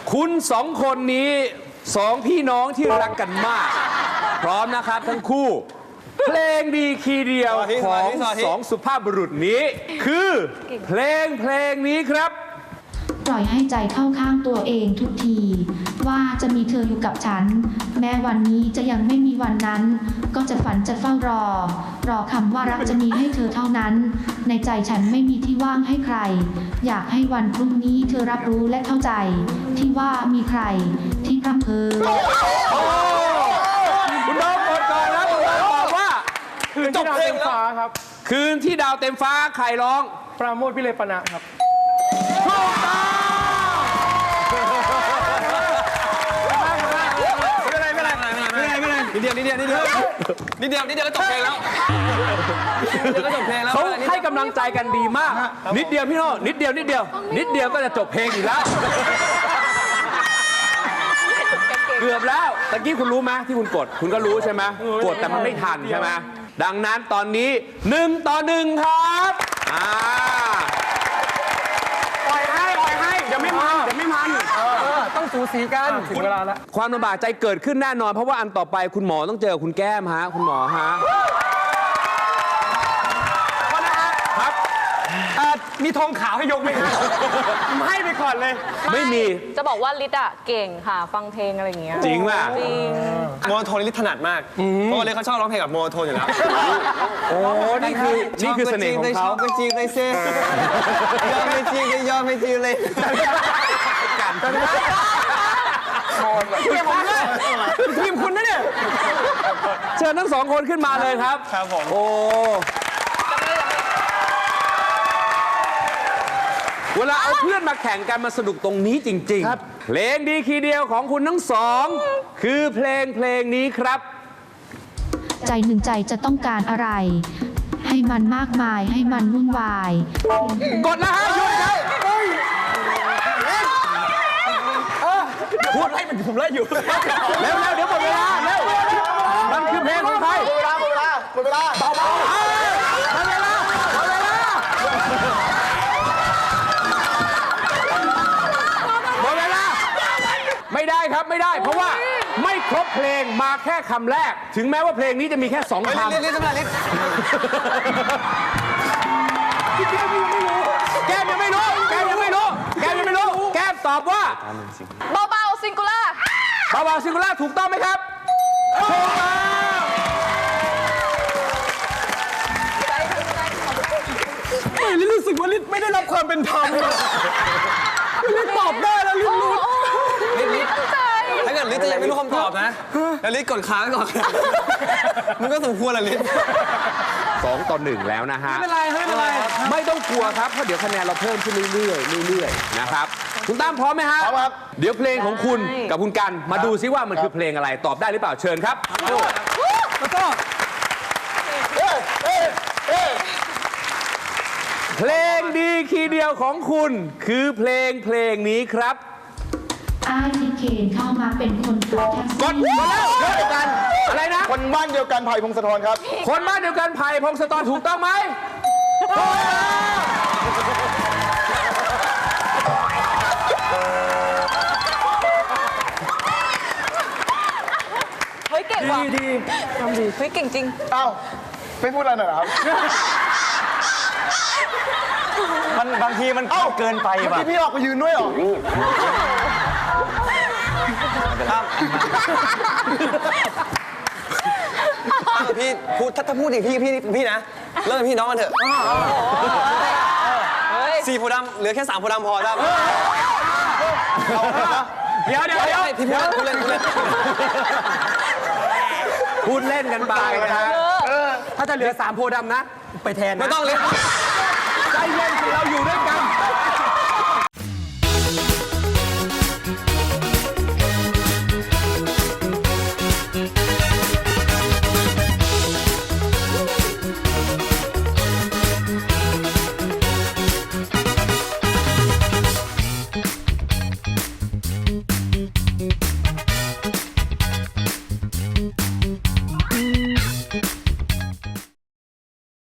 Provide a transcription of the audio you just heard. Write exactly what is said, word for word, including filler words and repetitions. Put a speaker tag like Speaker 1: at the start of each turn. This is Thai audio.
Speaker 1: คุณสองคนนี้สองพี่น้องที่รักกันมาก พร้อมนะครับทั้งคู่ เพลงดีคีย์เดียวของสองสุภาพบุรุษนี้ คือเพลงเพลงนี้ครับ
Speaker 2: ปล่อยให้ใจเข้าข้างตัวเองทุกที ว่าจะมีเธออยู่กับฉัน แม้วันนี้จะยังไม่มีวันนั้น ก็จะฝันจะเฝ้ารอ รอคำว่ารักจะมีให้เธอเท่านั้น ในใจฉันไม่มีที่ว่างให้ใคร อยากให้วันพรุ่งนี้เธอรับรู้และเข้าใจ ที่ว่ามีใครที่พร่ำเพ้อ
Speaker 1: คุณโดมกดก่อนแล้วคุณโดมบอกว่า
Speaker 3: คืนที่ดาวเต็มฟ้าครับ
Speaker 1: คืนที่ดาวเต็มฟ้าใครร้อง
Speaker 3: ปราโมทย์วิเลปนะครับ
Speaker 1: ถูกต้อง
Speaker 4: ไม่เป็นไรไม่เป็นไรไม่เป็นไรไม่เป็นไรนิดเดียวนิดเดียวนิดเดียวนิดเดียวนิดเดียวก็จบเพลงแล้วนิดเดียวก็จบเพลงแล้ว
Speaker 1: เขาให้กำลังใจกันดีมาก นิดเดียวพี่โน่นิดเดียวนิดเดียว นิดเดียวก็จะจบเพลงอีกแล้ว เกือบแล้วตะกี้คุณรู้ไหมที่คุณกด คุณก็รู้ใช่ไหมกดแต่มันไม่ทันใช่ไหมดังนั้นตอนนี้หนึ่งต่อหนึ่งครับอ่า
Speaker 3: ปล่อยให้ปล่อยให้เดี๋ยวไม่มันเดี๋ยวไม่มันต้องสูสีกันถึงเวลาแล้ว
Speaker 1: ความลำบากใจเกิดขึ้นแน่นอน เพราะว่าอันต่อไปคุณหมอต้องเจอคุณแก้มฮะคุณหมอฮะครับ
Speaker 3: มีธงขาวให้ยกไหมครับให้ไปก่อนเลย
Speaker 1: ไม่มี
Speaker 5: จะบอกว่าลิศอะเก่งค่ะ ฟังเพลงอะไรอย่างเงี้ย
Speaker 1: จริงป่ะ
Speaker 5: จริง
Speaker 4: โมโนโทนลิถนัดมาก เพราะว่าเลยเขาชอบร้องเพลงกับโมโนโทนอยู่แล้ว
Speaker 1: โอ้นี่คือนี่คือเสน่ห์ของเขา
Speaker 4: ชอบไปจีบเลยเซ่ยอมไปจีบเลยยอมไปจีบเลย
Speaker 3: ทีมคุณนะเนี่ย
Speaker 1: เชิญทั้งสองคนขึ้นมาเลยครับ
Speaker 4: ครับผม
Speaker 1: โอ้เวลาเอาเพื่อนมาแข่งกันมาสนุกตรงนี้จริงๆเพลงดีคีย์เดียวของคุณทั้งสอง คือเพลงเพลงนี้ครับ
Speaker 2: ใจหนึ่งใจจะต้องการอะไร ให้มันมากมายให้มันวุ่นวาย
Speaker 1: กดนะฮะหยุดครับพูดให้มันผมไล่อยู่เร็วๆเดี๋ยวหมดเวลาเร็วมันคือเพลงของใครหมดเวลาหมดเวลาหมดเวลาเบาๆหมดเวลาหมดเวลาหมดเวลาไม่ได้ครับไม่ได้เพราะว่าไม่ครบเพลงมาแค่คำแรก ถึงแม้ว่าเพลงนี้จะมีแค่สองคำ
Speaker 4: ลิลิสำหรับลิ
Speaker 1: แก้มยังไม่รู้แก้มยังไม่รู้แก้มยังไม่รู้แก้มตอบว่า
Speaker 5: เบาๆซิงคูล่า
Speaker 1: บาวาซิงคูล่าถูกต้องไหมครับถูกต้อง
Speaker 3: ลิรู้สึกว่าลิไม่ได้รับความเป็นธรรมลิตอบได้แล้วลิรู้
Speaker 4: ลิลิถ้าเกิดลิจะยังไม่รู้คำตอบนะแล้วลิกดค้างก่อนมันก็สมควรแหละลิ
Speaker 1: สองต่อหนึ่งแล้วนะฮะ
Speaker 3: ไม่เป็นไรไม่เป็นไร
Speaker 1: ไม่ต้องกลัวครับเพราะเดี๋ยวคะแนนเราเพิ่มขึ้นเรื่อยๆเรื่อยๆนะครับคุณตั้มพร้อมไหมฮะพร้อมครับเดี๋ยวเพลงของคุณกับคุณกันมาดูซิว่ามันคือเพลงอะไรตอบได้หรือเปล่าเชิญครับแล้วก็เพลงดีคีย์เดียวของคุณคือเพลงเพลงนี้ครับ
Speaker 2: อ้ายที่เคนเข้ามาเป็นคนขับแท็ก
Speaker 1: ก
Speaker 2: ซี่
Speaker 1: ดมาแล้วเดียวกันอะไรนะ
Speaker 6: คนบ้านเดียวกันไผ่พงศธรครับ
Speaker 1: คนบ้านเดียวกันไผ่พงศธรถูกต้องไหมถูกต้อง
Speaker 5: เฮ้ยเก่งว่ะ
Speaker 3: ดีทำดี
Speaker 5: เฮ้ยเก่งจริง
Speaker 6: อ้าว ไม่พูดอะไรหน่อยเหรอครับ
Speaker 4: มันบางทีมันเกินไป
Speaker 6: เมื่อ
Speaker 4: ว่ะ
Speaker 6: กี้พี่ออกไปยืนด้วยเหรอ
Speaker 4: ครับพี่พูดถ้าถ้าพูดอย่างพี่พี่พี่นะเลิกพี่น้องกันเถอะสี่โพธิ์ดำเหลือแค่สามโพธิ์ดำพอได้
Speaker 1: เดี๋ยวเดี๋ยวเดี๋ยว
Speaker 4: พี่พูดเล่นพูดเล่น
Speaker 1: พูดเล่นกันไปนะฮะ
Speaker 3: ถ้าจะเหลือสามโพธิ์ดำนะ ไปแทนนะ
Speaker 4: ไม่ต้องเล่น
Speaker 1: ใจเย็นสิเราอยู่